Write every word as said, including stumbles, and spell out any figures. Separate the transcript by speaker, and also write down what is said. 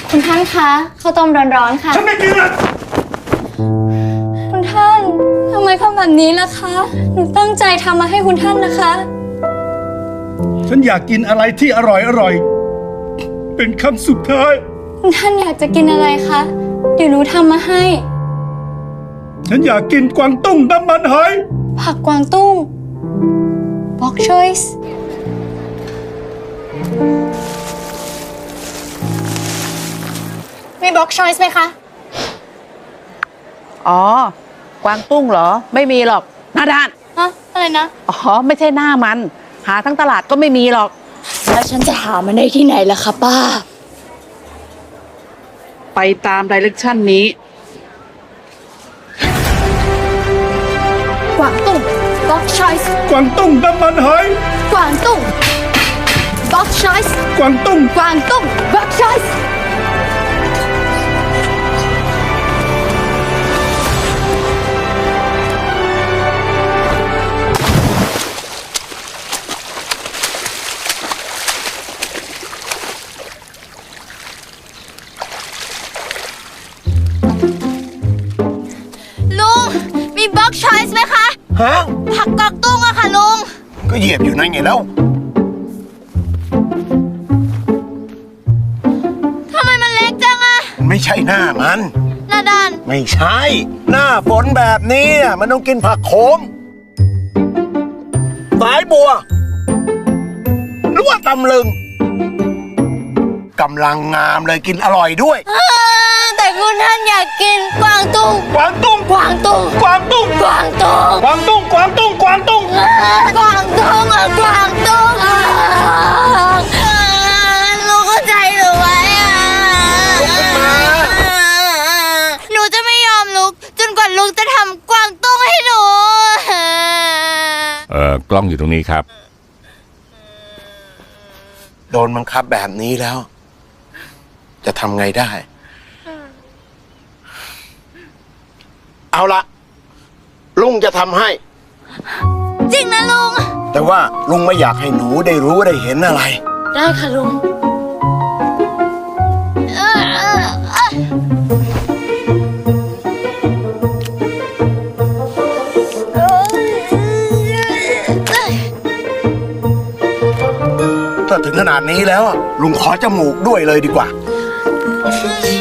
Speaker 1: คุณท่านคะข้าวต้มร้อนๆค่ะ
Speaker 2: ฉันไม่กินละ
Speaker 1: คุณท่านทำไมทำแบบนี้ล่ะคะหนูตั้งใจทำมาให้คุณท่านนะคะ
Speaker 2: ฉันอยากกินอะไรที่อร่อยอร่อยเป็นคำสุดท้าย
Speaker 1: คุณท่านอยากจะกินอะไรคะเดี๋ยวหนูทำมาให้
Speaker 2: ฉันอยากกินกวางตุ้งน้ำมันหอย
Speaker 1: ผักกวางตุ้ง Bok choice มี Bok choice ไหมคะ
Speaker 3: อ๋อกวางตุ้งเหรอไม่มีหรอกหน้าด้าน
Speaker 1: ฮะ อะไรนะ
Speaker 3: อ๋อไม่ใช่หน้ามันหาทั้งตลาดก็ไม่มีหรอก
Speaker 1: แล้วฉันจะหามันได้ที่ไหนล่ะคะป้า
Speaker 3: ไปตามไดเรกชันนี้
Speaker 1: กวางตุ้ง Bok choice
Speaker 2: กวางตุ้งน้ำมันหอย
Speaker 1: กวางตุ้ง Bok choice
Speaker 2: กวางตุ้ง
Speaker 1: กวางตุ้ง Bok choiceลุงมี Bok choice ไหมคะ
Speaker 4: ฮะ
Speaker 1: ผักกวางตุ้งอะค่ะลุง
Speaker 4: ก็เหยียบอยู่นั่นไงแล้ว
Speaker 1: ทำไมมันเล็กจังอะ
Speaker 4: ไม่ใช่หน้ามัน
Speaker 1: หน้าด้าน
Speaker 4: ไม่ใช่ หน้าฝนแบบนี้น่ะมันต้องกินผักโขมสายบัว หรือว่าตำลึงกำลังงามเลยกินอร่อยด้วย
Speaker 1: แต่คุณท่านอยากกินกวางตุ้ง
Speaker 2: กวางตุ้ง
Speaker 1: กวางตุ้ง
Speaker 2: กวางตุ้ง
Speaker 1: กวางตุ้ง
Speaker 2: กวางตุ้งกวางตุ้งกวางตุ้ง
Speaker 1: กวางตุ้งอะกวางตุ้งลุงเข้าใจหรือไว้อะหนูจะไม่ยอมลุกจนกว่าลุงจะทำกวางตุ้งให้หนู
Speaker 5: เอ่อกล้องอยู่ตรงนี้ครับ
Speaker 4: โดนบังคับแบบนี้แล้ว จะทำไงได้เอาละลุงจะทำให้
Speaker 1: จริงนะลุง
Speaker 4: แต่ว่าลุงไม่อยากให้หนูได้รู้ได้เห็นอะไร
Speaker 1: ได้ค่ะลุง
Speaker 4: ถ้าถึงขนาดนี้แล้วลุงขอจมูกด้วยเลยดีกว่า